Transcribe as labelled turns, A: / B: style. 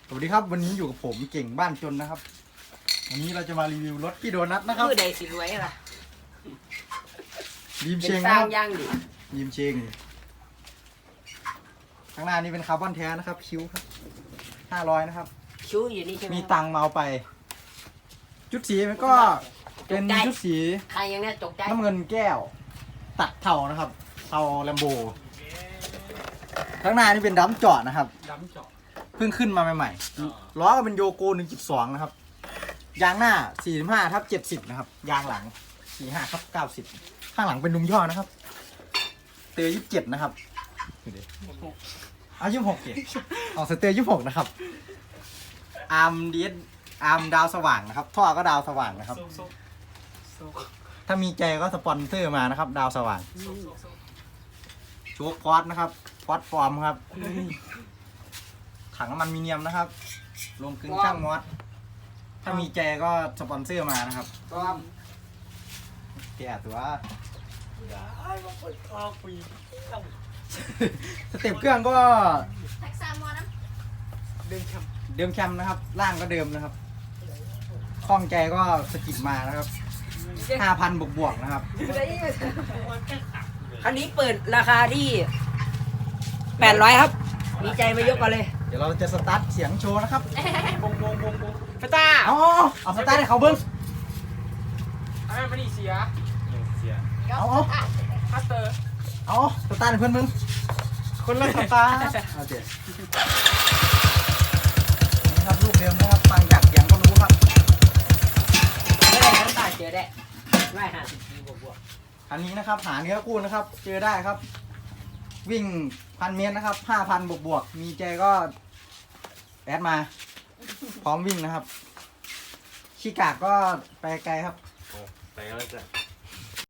A: สวัสดีครับวันนี้อยู่กับผมเก่งบ้านจนนะครับวันนี้เราจะมารีวิวรถพี่โดนัทนะครับ
B: มือใดสิรวยล่ะ
A: บีม
B: เป็
A: เช
B: น
A: ง
B: ส
A: นะ
B: ร้า
A: ค
B: ง
A: รับ
B: ย่างดิ
A: บีมเชงข้างหน้านี้เป็นคาร์บอนแท้นะครับคิ้วครับ500นะครับ
B: คิ้วอยู่นี่ใช่ไหม
A: มีตังค์มาเอาไป ชุดสีมันก็เป็นชุดสี
B: ใครยังเนี่ยตกใจ
A: น้ำเงินแก้ว ตัดเทานะครับเทาแลมโบข้างหน้านี่เป็นดัมจอดนะครับ
C: ดำเจาะ
A: เพิ่งขึ้นมาใหม่ๆล้อก็เป็นโยโก 1.2 นะครับ ยางหน้า 45/70 นะครับ ยางหลัง 45/90 ข้างหลังเป็นดุมย่อนะครับ เตอร์27 นะครับดูดิเอา26เกออกสเตอร์26 นะครับ อาร์มดีสอาร์มดาวสว่างนะครับ ท่อก็ดาวสว่างนะครับ ถ้ามีใจก็สปอนเซอร์มานะครับ ดาวสว่าง โชคพอดนะครับ พอดฟอร์มครับ ถังน้ำมันมีเนียมนะครับ ลงกึ่งช่างมอสถ้ามีแจก็สปอนเซอร์มานะครับ
B: พร้อม
A: แกตัว
C: ไอ้บางคนคลองปี
A: สเต็ปเครื่องก็
D: แท็กซ่ามอนะ
C: เดินแคมป์
A: เดิมแคมนะครับ ล่างก็เดิมนะครับข้องใจก็สกิดมานะครับ 5,000 บวกๆนะครับ
B: คันนี้เปิดราคาที่800ครับมีใจมายกกันเลย
A: เดี๋ยวเราจะสตาร์ทเสียงโชว์นะครับ
C: วงพระเจ้า
A: เอาสตาร์ทให้เขาเบิ้ง
C: อันนั้นมันนี่เสีย
A: เอา
C: คัตเตอร์
A: สตาร์ทให้เพื่อนมึงคนละสตาร์ทเอาเดี๋ยวนี่ครับลูกเดิมนะครับฟังจากเสียงก็รู้ครับ
B: ไม่ได้ทั้งตาเจอได้ไม่50 ปีบวก
A: อันนี้นะครับหาเนื้อคู่นะครับ เจอได้ครับ วิ่ง1,000 เมตรนะครับ 5,000 บวกๆมีใจก็แอดมา พร้อมวิ่งนะครับขี้กากก็ไปไกลครับ
E: ไปแล้วจ้ะ